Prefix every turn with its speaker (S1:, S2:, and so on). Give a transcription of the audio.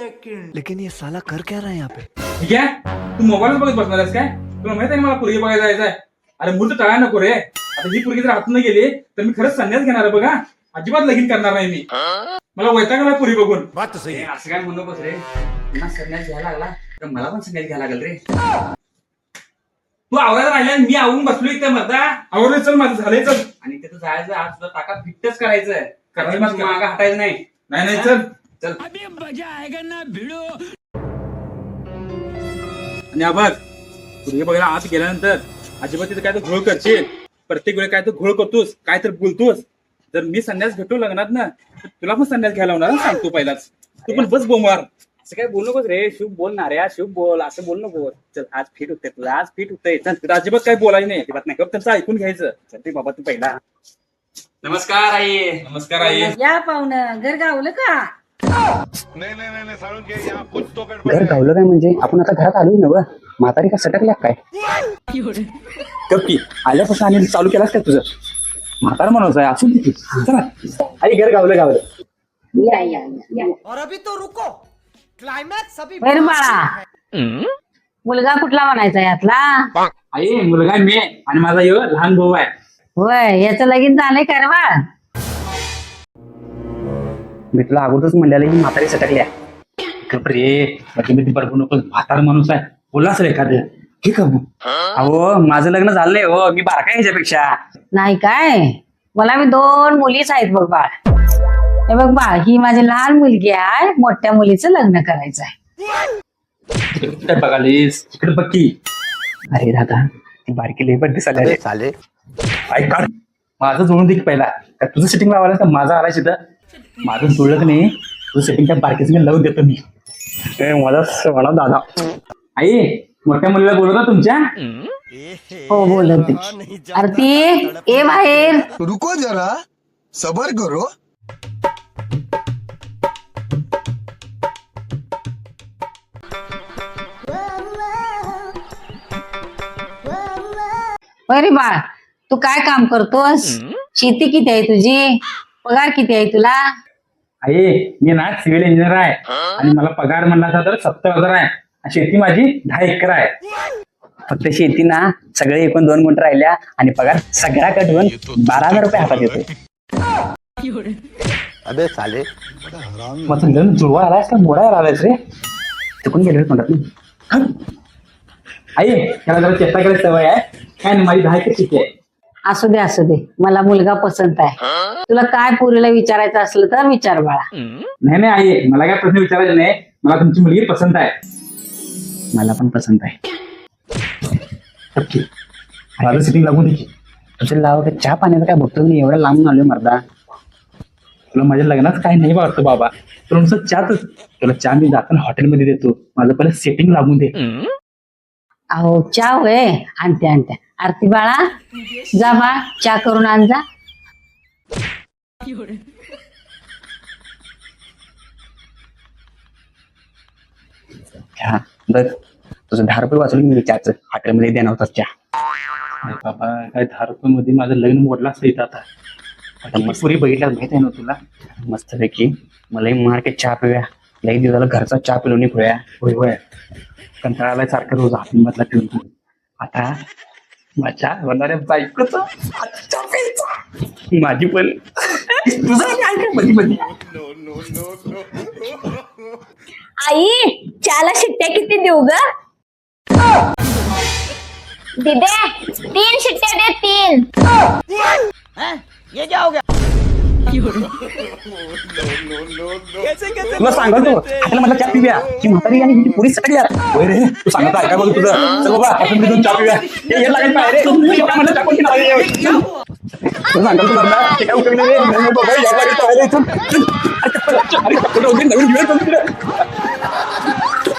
S1: Second, लेकिन ये साला कर क्या रहा है यहाँ पे?
S2: ठीक आहे, तू मोबाईल बघत बसणार आहेस काय? तुला माहित आहे ना मला पोरगी बघायला जायचंय. अरे मूर्त टाळा नको रे. आता ही पोरगी जर हातून गेली तर मी खरंच संन्यास घेणार आहे बघा. अजिबात लगीन करणार नाही मी. मला वैताग आलाय पोरी बघून.
S3: असं काय म्हणू नकोस रे. पुन्हा संन्यास घ्यायला लागला तर मला पण संन्यास घ्यायला लागल रे.
S2: तू आवरायला राहिला मी आवून बसलो इथे मर्दा. आवरले चल माझं झालंय चल.
S3: आणि तिथं जायचं आज तुला ताका फिटच करायचं.
S2: करायचं
S3: मग मागं हटायचं नाही.
S2: नाही नाही चल
S3: चल.
S2: आणि आभार पोरगी बघायला आत गेल्यानंतर अजिबात तिथे काय तर घोळ करशील. प्रत्येक वेळी काय तर घोळ करतोस, काय तर बोलतोस. जर मी संन्यास घेतो लग्नात ना तर तुला पण संन्यास घ्यायला होणार सांगतो पहिलाच. तू पण बस बोंबार.
S3: असं काय बोलू नकोस रे. शुभ बोल ना रे. शुभ बोल. असं बोल नको. चल आज फिट होते तुला. आज फिट होतंय. चल.
S2: तर अजिबात काही बोलायचं नाही. अजिबात नाही. त्यांचं ऐकून घ्यायचं. चल ते बाबा तू पहिला.
S3: नमस्कार आई.
S2: नमस्कार आई.
S4: या पाहुणं घर गावलं का?
S5: घर गावलं काय म्हणजे आपण आता घरात आलोय ना व म्हातारी का सटकल्या काय
S2: कप्पी आल्यापासून आणि चालू केलास का तुझं म्हातारा म्हणायचं आहे असू दे. चला आई घर गावलं गावलं.
S4: या या या.
S1: और अभी तो रुको, क्लाइमैक्स अभी
S4: बरं बाळा, मुलगा कुठला म्हणायचा यातला?
S2: आई मुलगा मी आणि माझा यो लहान भाऊ आहे.
S4: होय, याचं लगीन झालंय का रे बाळ?
S5: मी तुला अगोदरच म्हणलेलं ही म्हातारी सटकल्या
S2: रे बाकी मी ती बरोबर नको म्हातारा माणूस आहे बोलास रे एखादं ठीक आहे
S5: अहो माझं लग्न झालंय हो मी बारका ह्याच्यापेक्षा
S4: नाही काय, मला मी 2 मुलीच आहेत बघ बाळ. हे बघ बाळ, ही माझी लहान मुलगी आहे. मोठ्या मुलीचं लग्न करायचं आहे.
S2: काय बघालीस इकडे बघी.
S5: अरे दादा ती बारकी लई बड्डी साले रे
S1: साले
S2: आई काढ माझं जोडून दे की पहिला. काय तुझं सेटिंग लावायला का माझं आलाय तिथं माझं जुळलं की नाही तुझं सेटिंग त्या बारकीचं मी लावून देतो मी.
S5: मला म्हणा दादा
S2: आई मोठ्या मुलीला बोलवता तुमच्या.
S4: हो बोलत. आरती ये बाहेर.
S6: रुको जरा सबर करो.
S4: अरे बाळ, तू काय काम करतोस? शेती किती आहे तुझी? पगार किती आहे तुला?
S2: आई मी ना सिव्हिल इंजिनियर आहे आणि मला पगार म्हणला तर 70,000 आहे. शेती माझी 10 एकर आहे.
S5: फक्त शेती ना सगळे एकूण 2 गुंठ राहिल्या आणि पगार सगळा कट होऊन 12,000 रुपये हातात येतो.
S1: अबे साले
S2: माझं लग्न जुळवा आलायस का मोडायला आलायस रे.
S5: चुकून गेले म्हणतात ना.
S2: आई त्याला जरा चेष्टा करायची सवय आहे. काय नाही माझी 10 एकर शेती आहे.
S4: असू दे असू दे, मला मुलगा पसंत आहे. तुला काय पोरीला विचारायचं असलं तर विचार बाळा.
S2: नाही नाही आई मला काय प्रश्न विचारायचे नाही. मला तुमची मुलगी पसंत आहे.
S5: मला पण पसंत आहे.
S2: नक्की माझं सिटिंग लागून दे की.
S5: तुझं लाव का चहा पाण्याचं काय बघतो मी एवढं लांबून आलोय मर्दा.
S2: तुला माझ्या लग्नात काही नाही वाटतं बाबा. तुला नुसतं चहाच तुला चहा मी जाताना हॉटेलमध्ये देतो. माझं पहिलं सेटिंग लागून दे.
S4: अहो चहा होय, आणते आणते. आरती बाळा जा बा चहा करून आण जा.
S5: चहा बघ तुझं 10 रुपये वाचवलं मी चहाचं हॉटेलमध्ये देणार होता चहा.
S2: अरे बाबा काय 10 रुपये मध्ये माझं लग्न मोडलं असतं इथं आता.
S5: पुरी बघितल्या माहित आहे ना तुला मस्तपैकी मलाही मार के चहा पिऊया. लई दिवसाला घरचा चहा पिलो नाही पिऊया.
S2: होय होय कंटाळाला सारखं रोज हातमधला ठेवून तू
S5: आता माझ्या होणाऱ्या बायकोच माझी पण तुझं काय काय मध्ये मध्ये
S7: आई चहाला शिट्ट्या किती देऊ ग? दिदे 3 शिट्ट्या दे 3.
S1: ये क्या हो गया?
S5: तुला सांगतो आपल्याला म्हटलं चहा पिऊया की म्हातारी आणि हिची पुरी सटकली यार.
S2: होय रे तू सांगत आहे काय बोल तुझं. चल बाबा आपण मी जाऊन चहा पिऊया.
S5: हे लागायला पाहिजे रे. तू एवढा म्हणलं चहा कोणती नावाने तुला सांगतो तू म्हणला ते काय उपयोग नाही रे. बाबा या लागेल पाहिजे इथून. अरे नवीन घेऊया